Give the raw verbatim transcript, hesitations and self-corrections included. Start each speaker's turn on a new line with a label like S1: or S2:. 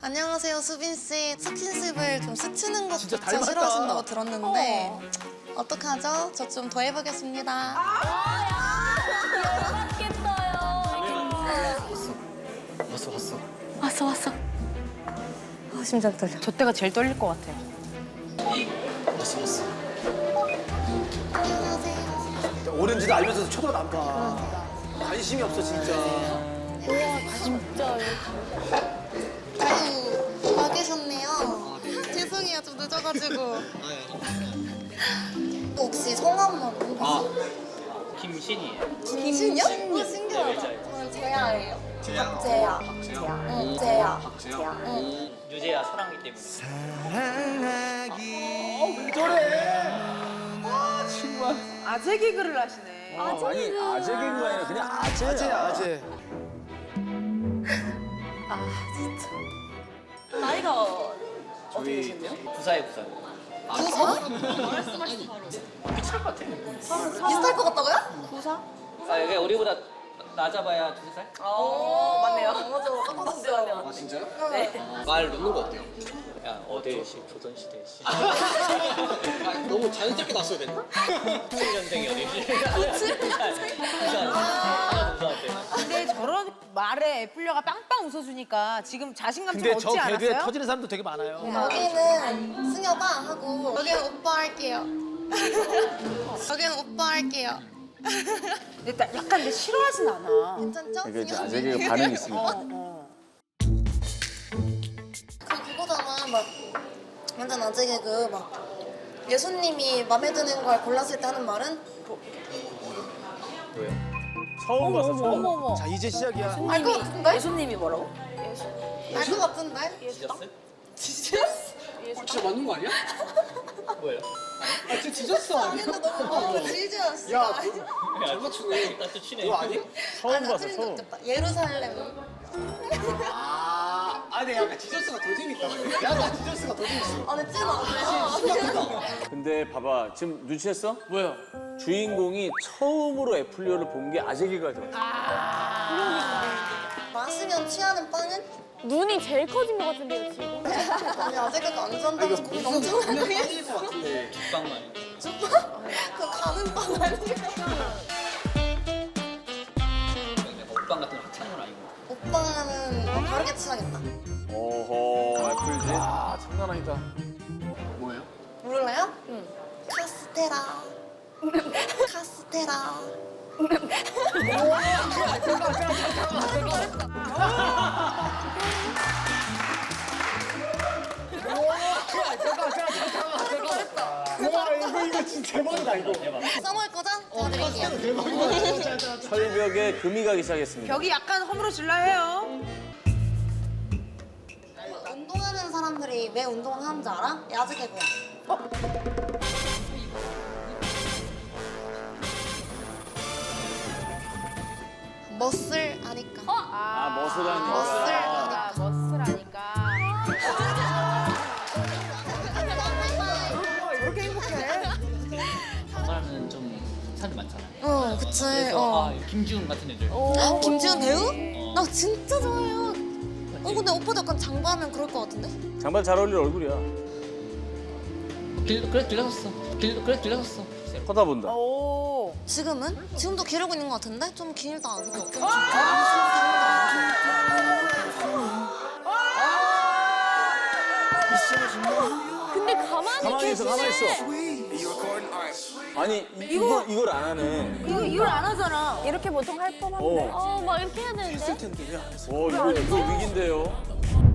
S1: 안녕하세요, 수빈 씨. 스킨십을 좀 스치는 것
S2: 진짜
S1: 자체
S2: 닮았다.
S1: 싫어하신다고 들었는데 어. 떡하죠? 저 좀 더 해보겠습니다.
S2: 왔어 왔어.
S1: 왔어, 왔어. 아, 심장 떨려.
S3: 저 때가 제일 떨릴 것 같아.
S2: 왔어 왔어.
S1: 안녕하세요.
S2: 오렌지도 알면서도 쳐다도 안 봐. 관심이 없어 진짜.
S1: 아유, 와 계셨네요. 죄송해요, 좀 늦어가지고. 또 혹시 성함만
S4: 아, 김신이에요.
S1: 김신이요? 어, 신기하다. 저는 재야예요. 박재야. 박재야. 응, 재야. 박재야. 응.
S4: 유재야 사랑하기 때문에.
S2: 왜 저래? 아 정말.
S3: 아재 개그를 하시네.
S5: 아니 아재 개그가 아니라 그냥 아재야.
S2: 아재야 아재.
S3: 나이가 어떻게 되셨나요?
S4: 부사에 부사. 비슷할 것 같아.
S1: 비슷할 것 같다고요?
S3: 구사?
S4: 아, 여기 우리보다 낮아봐야 두세 살?
S3: 어, 맞네요.
S1: 맞아, 똑같았어요.
S2: 아 진짜요?
S3: 네.
S2: 말 놓는 거 어때요?
S4: 야, 어대시, 조선시대 시.
S2: 너무 자연스럽게 났어야 됐나?
S4: 칠 년생이 어디지? 부사. 하나 부사한테.
S3: 근데 저런 말에 애플려가 빵빵 웃어주니까 지금 자신감 좀
S2: 근데
S3: 얻지
S2: 저 개그에
S3: 않았어요?
S2: 터지는 사람도 되게 많아요.
S1: 여기는 승여봐 하고 여기는 오빠 할게요. 여기는 오빠 할게요.
S3: 근데 딱 약간 근데 싫어하진 않아.
S1: 괜찮죠?
S5: 이게 이제
S1: 승엽
S5: 아재
S1: 언니?
S5: 개그 반응이 있으니까.
S3: 어, 어.
S1: 그 그거잖아 막 완전 아재 개그 막 예수님이 마음에 드는 걸 골랐을 때 하는 말은
S5: 처음 봤어 처음.
S3: 어머 어머.
S2: 자 이제 시작이야.
S1: 알 것 같은데?
S3: 예수님이 뭐라고?
S1: 알 것 같은데?
S4: 지졌어?
S2: 진짜 맞는 거 아니야?
S4: 뭐예요?
S2: 아 진짜 지졌어 아니야?
S1: 근데 너무 너무 질지였어.
S2: 야, 잘 맞추네.
S4: 나또 치네.
S2: 그거 아니?
S5: 처음 봤어
S1: 틀린
S5: 처음.
S1: 적 없다. 예루살렘.
S2: 아, 아니 약간 지저스가 더 재밌다. 약간 지저스가 더 재밌어.
S1: 아, 근데 찐 아재.
S5: 근데 봐봐 지금 눈치챘어?
S2: 뭐야?
S5: 주인공이 처음으로 애플리오를 본 게 아재 개그가 들어.
S1: 마시면 취하는 빵은?
S6: 눈이 제일 커진 것 같은데요, 지금?
S1: 아니 아재 개그 안 좋아한다면서 고민 엄청 하고
S2: 빠질 것 같은데.
S4: 죽방만.
S1: 그 가는 빵 아니에요?
S4: 먹방 같은 거 하찮은 건 아니고.
S1: 오빠는 어, 다르게 취하겠다.
S5: 오호 애플지.
S2: 아 장난 아니다. 뭐예요?
S1: 모를래요? 응. 카스테라. 카스테라.
S2: 와 이거 이거 진짜 대박이다 이거.
S1: 써먹을 거죠? 어, 드릴게요.
S5: 철벽에 금이 가기 시작했습니다.
S3: 벽이 약간 허물어질라 해요.
S1: 운동하는 사람들이 왜 운동을 하는지 알아? 야즈 개그야. 멋을 아니까.
S5: 아 머슬하니까.
S1: 멋을
S3: 아,
S1: 아니까.
S3: 멋스라니까. 저렇게 행복해.
S4: 장사하면 좀 사람이 많잖아요.
S1: 어, 그치.
S4: 그래서
S1: 어.
S4: 아, 김지훈 같은 애들.
S1: 아, 김지훈 배우?
S4: 어.
S1: 나 진짜 좋아해요. 어, 근데 오빠도 약간 장바하면 그럴 것 같은데?
S5: 장발 잘 어울릴 얼굴이야.
S4: 길, 그래 들렸었어. 길, 그래 들렸었어.
S5: 쳐다본다.
S3: 오.
S1: 지금은? 지금도 기르고 있는 것 같은데? 좀 길다. 그게 어깨가
S6: 근데 가만히,
S5: 가만히 있어 가만히 있어. 아니 이- 이거 이걸 안 하네.
S3: 이거 이걸 안 하잖아.
S6: 이렇게 보통 할 법한데.
S5: 어.
S6: 어, 막 이렇게 해야 되는데.
S5: 어 이거 이거 위기인데요.